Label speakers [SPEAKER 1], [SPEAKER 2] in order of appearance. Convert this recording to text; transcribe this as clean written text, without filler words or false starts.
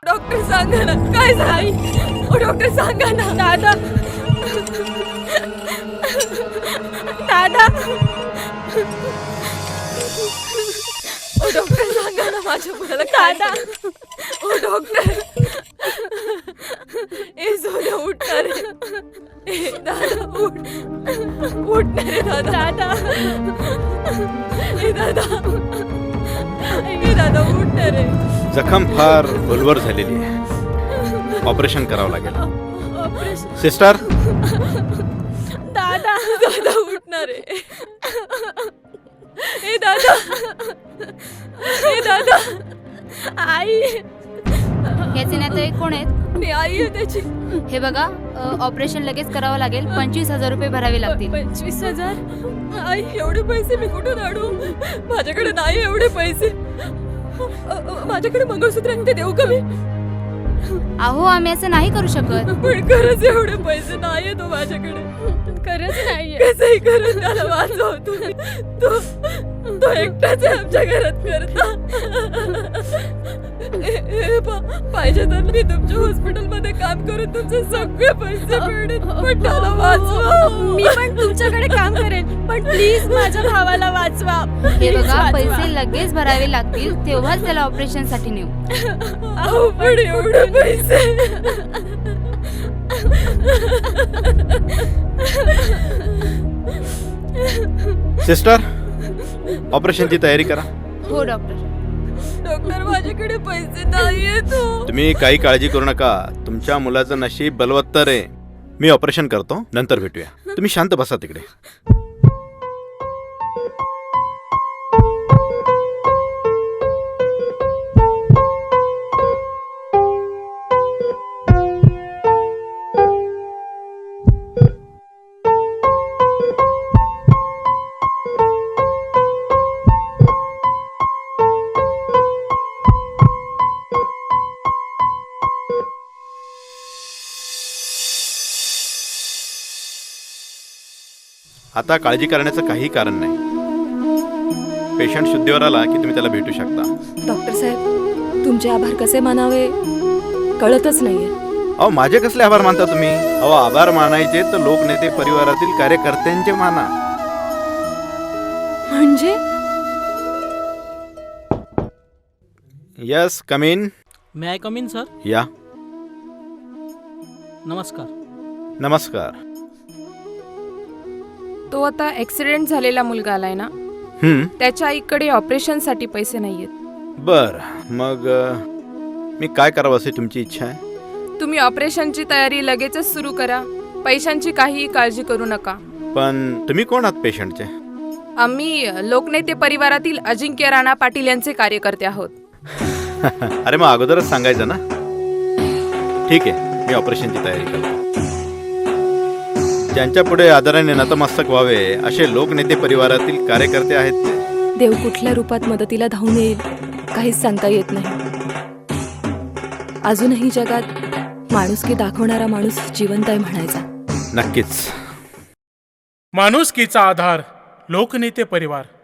[SPEAKER 1] Doctor सांगा ना काय झालं. ओ डॉक्टर सांगा ना. दादा दादा. ओ डॉक्टर सांगा ना माझ्या मुलाला. दादा. ओ डॉक्टर. ए सोन्या उठणार रे. ए दादा उठ. उठणार रे दादा. दादा. ए दादा. ए दादा उठणार रे.
[SPEAKER 2] जखम फार खोलवर झालेली आहे. ऑपरेशन करावं लागेल.
[SPEAKER 1] ऑपरेशन.
[SPEAKER 2] सिस्टर.
[SPEAKER 1] दादा. दादा उठणार रे. ए दादा. ए दादा. आई.
[SPEAKER 3] याचे नातेवाईक कोण आहेत?
[SPEAKER 1] मी आई आहे त्याची.
[SPEAKER 3] हे बघा, ऑपरेशन लगेच करावं लागेल. 25,000 रुपये भरावे लागतील.
[SPEAKER 1] 25,000? आई एवढे पैसे मी कुठून आणू. माझ्याकडे नाही एवढे पैसे. माझ्याकडे मंगळसूत्र आहे ते देऊ का मी.
[SPEAKER 3] अहो, आम्ही असं नाही करू शकत.
[SPEAKER 1] पण खरंच एवढे पैसे नाहीये तो माझ्याकडे. खरंच नाहीये. कसंही करून त्याला वाचव तुम्ही. तो एकटाच आहे आमच्या घरात करता. पाहिजे तर मी तुमच्या हॉस्पिटलमध्ये काम करून तुमचे सगळे पैसे मिळेल. पण त्याला वाचवा. मी पण तुमच्याकडे काम करेन पण प्लीज माझ्या भावाला वाचवा.
[SPEAKER 3] हे बघा, पैसे लगेच भरावे लागतील, तेव्हाच त्याला ऑपरेशन साठी नेऊ.
[SPEAKER 1] अहो पण एवढे पैसे.
[SPEAKER 2] सिस्टर, ऑपरेशनची तयारी करा.
[SPEAKER 3] हो डॉक्टर.
[SPEAKER 1] डॉक्टर माझ्याकडे पैसे नाहीयेत.
[SPEAKER 2] तुम्ही काही काळजी करू नका. तुमच्या मुलाचं नशीब बलवत्तर आहे. मी ऑपरेशन करतो, नंतर भेटूया. तुम्ही शांत बसा तिकडे. आता काळजी करण्याचं काही कारण नाही. पेशंट शुद्धीवर आला की तुम्ही त्याला भेटू शकता.
[SPEAKER 1] डॉक्टर साहेब, तुमचे आभार कसे मानावे कळतच नाहीये.
[SPEAKER 2] अहो, माझे कसले आभार मानता तुम्ही. अहो, आभार मानायचे तर लोकनेते परिवारातील कार्यकर्त्यांचे माना.
[SPEAKER 1] म्हणजे
[SPEAKER 2] yes, come in.
[SPEAKER 4] May I come in sir.
[SPEAKER 2] या.
[SPEAKER 4] नमस्कार.
[SPEAKER 2] नमस्कार.
[SPEAKER 5] तो आता ऍक्सिडेंट झालेला मुलगा आलाय ना, त्याच्या आईकडे ऑपरेशन साठी पैसे नाहीयेत.
[SPEAKER 2] बर, मग मी काय करावं अशी तुमची इच्छा आहे.
[SPEAKER 5] तुम्ही ऑपरेशनची तयारी लगेचच सुरू करा. पैशांची काहीही काळजी करू नका.
[SPEAKER 2] पण तुम्ही कोण आहात पेशंटचे.
[SPEAKER 5] आम्ही लोकनेते परिवारातील अजिंक्य राणा पाटील यांचे कार्यकर्ते आहोत.
[SPEAKER 2] अरे मग अगोदरच सांगायचं ना. ठीक आहे, मी ऑपरेशनची तयारी करतो. ज्यांच्या पुढे आदराने नतमस्तक व्हावे असे लोकनेते परिवारातील कार्यकर्ते आहेत ते.
[SPEAKER 1] देव कुठल्या रूपात मदतीला धावून येईल काहीच सांगता येत नाही. अजूनही जगात माणुसकी दाखवणारा माणूस जिवंत आहे म्हणायचा.
[SPEAKER 2] नक्कीच.
[SPEAKER 6] माणुसकीचा आधार लोकनेते परिवार.